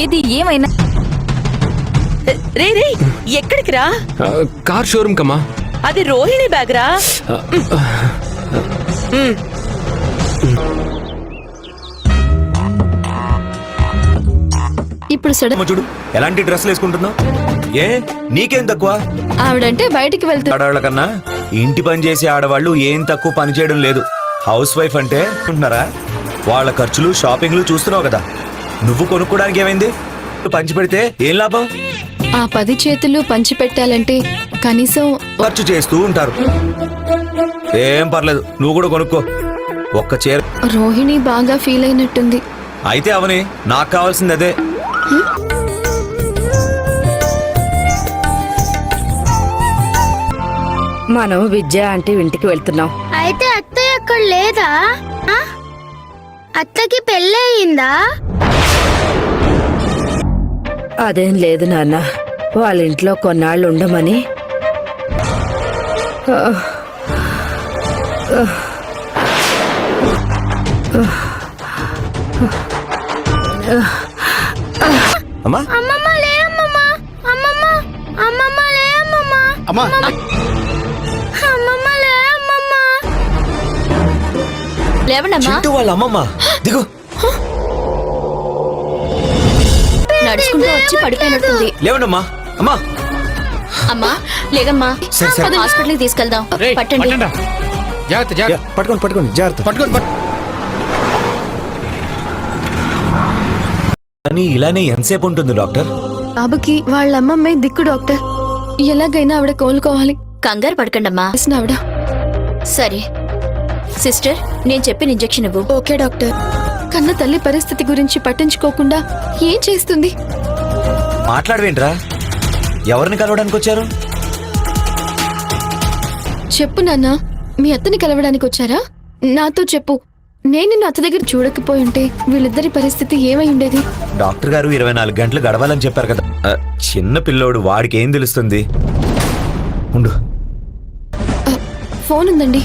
ఏది ఏమైనా రే రే ఎక్కడికి రా? కార్ షోరూమ్ కమ్మా. అది రోహిణి బ్యాగ్ రా. ఇప్పుడు చూడు ఎలాంటి డ్రెస్లు వేసుకుంటున్నావు. ఏ నీకేం తక్కువ? ఆవిడంటే బయటికి వెళ్తా. ఆడవాళ్ళ కన్నా ఇంటి పని చేసే ఆడవాళ్ళు ఏం తక్కువ పని చేయడం లేదు. హౌస్ వైఫ్ అంటే ఉంటున్నారా? వాళ్ళ ఖర్చులు షాపింగ్లు చూస్తున్నావు కదా. నువ్వు కొనుక్కోడానికి ఏమైంది? పంచి పెడితే ఏం లాభం? ఆ 10 చేతులు పంచి పెట్టాలంటే కనీసం ఖర్చు చేస్తూ ఉంటారు. ఏం పర్లేదు, నువ్వు కూడా కొనుక్కో. ఒక్క చీర. రోహిణి బాగా ఫీల్ అయినట్టుంది. అయితే అవని, నాకు కావాల్సింది అదే. మనం విద్య అంటే ఇంటికి వెళ్తున్నాం. అయితే అత్తయ్య అక్కడ లేదా? అత్తకి పెళ్ళయిందా? అదేం లేదు నాన్న, వాళ్ళ ఇంట్లో కొన్నాళ్ళు ఉండమని. అమ్మా అమ్మమ్మ లే అమ్మమ్మ, అమ్మమ్మ అమ్మమ్మ లే అమ్మమ్మ, అమ్మా అమ్మమ్మ లే అమ్మమ్మ. లేవండమ్మా. చింటూ వాళ్ళ అమ్మమ్మ దిగు. నడుచుకుంటూ వచ్చి పడిపోయినట్టుంది. లేవండమ్మా. అమ్మా అమ్మా లేదమ్మా, సరే, సరే. హాస్పిటల్కి తీసుకెళ్దాం. పట్టండి. జాగ్రత్త జాగ్రత్త. పట్టుకోండి పట్టుకోండి, జాగ్రత్త. పట్టుకోండి. కానీ ఇలానే ఎంతసేపు ఉంటుంది డాక్టర్? బాబుకి వాళ్ళ అమ్మమ్మే దిక్కు డాక్టర్. ఎలాగైనా ఆవిడ కోలుకోవాలి. కంగారు పడకండమ్మా. ఆవిడ సరే సిస్టర్, నేను చెప్పిన ఇంజెక్షన్ ఇవ్వు. Okay doctor. కన్న తల్లి పరిస్థితి గురించి పట్టించుకోకుండా ఏం చేస్తుంది? మాట్లాడవేంట్రా? ఎవరిని కలవడానికి వచ్చారు? చెప్పు నాన్న, మీ అత్తని కలవడానికి వచ్చారా? నాతో చెప్పు. నేను నిన్ను అత్త దగ్గర చూడకపోయి ఉంటే వీళ్ళిద్దరి పరిస్థితి ఏమై ఉండేది? డాక్టర్ గారు 24 గంటలు గడవాలని చెప్పారు కదా. చిన్న పిల్లోడు, వాడికి ఏం తెలుస్తుంది? ఉండు. ఫోన్ ఉందండి.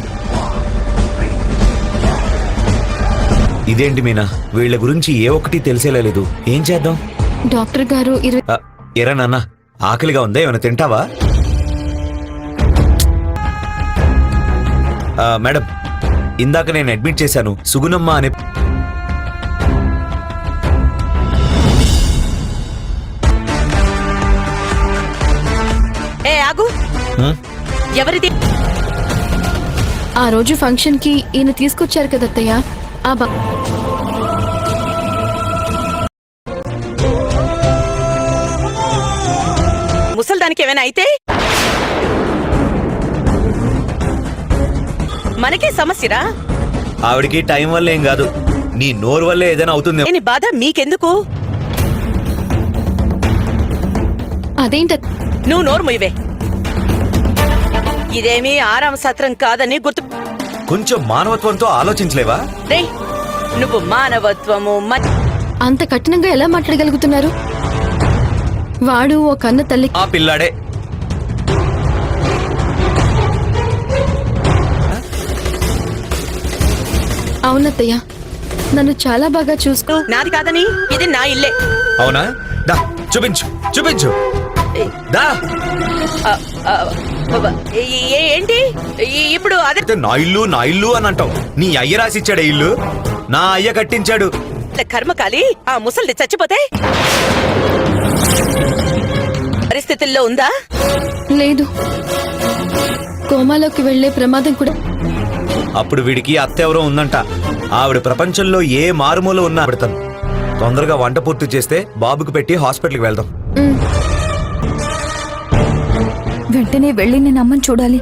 ఇదేంటి మీనా, వీళ్ళ గురించి ఏ ఒక్కటి తెలిసేలా లేదు. ఏం చేద్దాం? డాక్టర్ గారు ఎరా నాన్న, ఆకలిగా ఉందా? ఏమైనా తింటావా? మేడం, ఇందాక నేను అడ్మిట్ చేశాను సుగుణమ్మ అనే. ఏ ఆగు. ఎవరిది? ఆ రోజు ఫంక్షన్ కి ఈయన తీసుకొచ్చారు కదా అత్తయ్య. ఆ ముసల్దానికి ఏమైనా అయితే మనకే సమస్యరా? ఆవిడికి టైం వల్ల ఏం కాదు, నీ నోరు వల్లే ఏదైనా అవుతుంది. నేను బాధ మీకెందుకు? అదేంట నువ్వు నోరు ముయ్యవే. ఇదేమీ ఆరామ సత్రం కాదని గుర్తు. కొంచెం మానవత్వంతో ఆలోచించలేవా? రే, నువ్వు మానవత్వము అంత కఠినంగా ఎలా మాట్లాడగలుగుతున్నారు? వాడు ఓ కన్న తల్లి. ఆ పిల్లాడే. అవునత్తయ్య, నన్ను చాలా బాగా చూసుకో. నాది కాదని, ఇది నా ఇల్లే. అవునా? దా చూపించు, చూపించు. దా. ఏంటి ఇప్పుడు? అదే నా ఇల్లు నా ఇల్లు అని అంటావు. నీ అయ్య రాసిచ్చాడే ఇల్లు, నా అయ్య కట్టించాడు. కర్మకాలి. ఆ ముసలిది చచ్చిపోతే పరిస్థితుల్లో ఉందా? లేదు, కోమాలోకి వెళ్లే ప్రమాదం కూడా. అప్పుడు వీడికి అత్త ఎవరో ఉందంట. ఆవిడ ప్రపంచంలో ఏ మారుమూల ఉన్నా ఆవిడతాను. తొందరగా వంట పూర్తి చేస్తే బాబుకి పెట్టి హాస్పిటల్కి వెళ్దాం. వెంటనే వెళ్ళి నేను అమ్మని చూడాలి.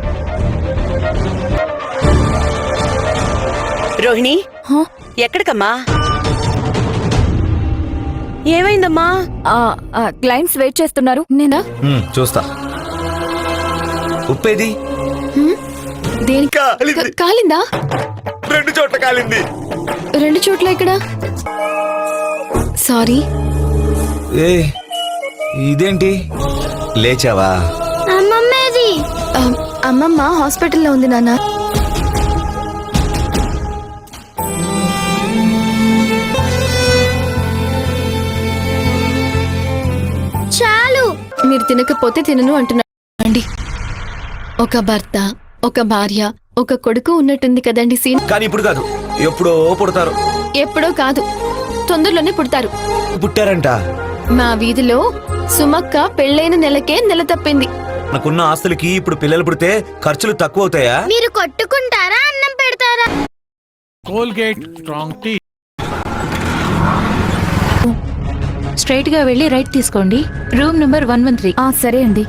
రోహిణి, ఎక్కడికమ్మా? ఏమైందమ్మా? క్లయింట్స్ వెయిట్ చేస్తున్నారు. నేనా? చూస్తా. ఉప్పేది? దేనికి కాలిందా? 2 చోట్ల కాలింది. 2 చోట్ల ఇక్కడ? సారీ. ఏ ఇదేంటి, లేచావా? అమ్మమ్మేది? అమ్మమ్మ హాస్పిటల్లో ఉంది నాన్న. మీరు తినకపోతే తినను అంటున్నాండి. ఒక భర్త, ఒక భార్య, ఒక కొడుకు ఉన్నట్టుంది కదండి సీన్. కానీ ఇప్పుడు కాదు, ఎప్పుడో పుడతారు. ఎప్పుడో కాదు, తొందరలోనే పుడతారు. పుట్టారంట. మా వీధిలో సుమక్క పెళ్ళైన నెలకే నెల తప్పింది. మనకున్న ఆస్తులకి ఇప్పుడు పిల్లలు పుడితే ఖర్చులు తక్కువ అవుతాయా? మీరు కొట్టుకుంటారా అన్నం పెడతారా? Colgate strong tea. స్ట్రైట్ గా వెళ్ళి రైట్ తీసుకోండి. Room number 113. సరే అండి.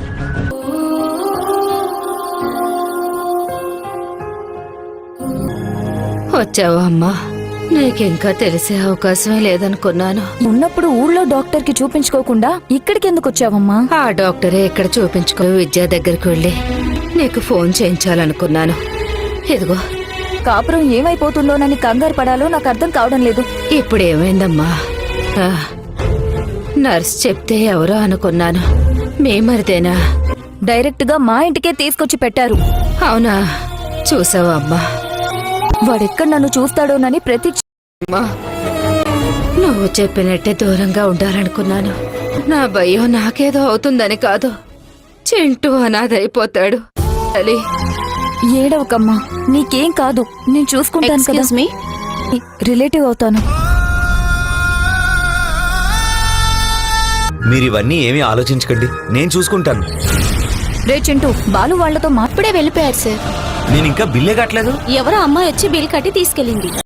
వచ్చావా అమ్మా? నీకింకా తెలిసే అవకాశమే లేదనుకున్నాను. ఉన్నప్పుడు ఊళ్ళో డాక్టర్ కి చూపించుకోకుండా ఇక్కడికి ఎందుకు వచ్చావమ్మా? ఆ డాక్టరే ఇక్కడ చూపించుకో విద్యా దగ్గరికి వెళ్ళి నీకు ఫోన్ చేయించాలనుకున్నాను. ఇదిగో కాపురం ఏమైపోతుందోనని కంగారు పడాలో నాకు అర్థం కావడం లేదు. ఇప్పుడు ఏమైందమ్మా? ఆ, నర్స్ చెప్తే ఎవరో అనుకున్నాను. మీ మరిదేనా? డైరెక్ట్ గా మా ఇంటికే తీసుకొచ్చి పెట్టారు. అవునా? చూసావా అమ్మా? వాడెక్కడ నన్ను చూస్తాడోనని అమ్మా, నువ్వు చెప్పినట్టే దూరంగా ఉండాలనుకున్నాను. నా భయం నాకేదో అవుతుందని కాదు, చింటూ అనాథైపోతాడు అని. ఏడవకమ్మా, నీకేం కాదు, నేను చూసుకుంటాను కదా. Excuse me. రిలేటివ్ అవుతాను. మీరు ఇవన్నీ ఏమీ ఆలోచించకండి, నేను చూసుకుంటాను. రే చింటూ, బాలు వాళ్లతో ఇప్పుడే వెళ్ళిపోయారు సార్. నేను ఇంకా బిల్లే కట్టలేదు. ఎవరో అమ్మాయి వచ్చి బిల్ కట్టి తీసుకెళ్ళింది.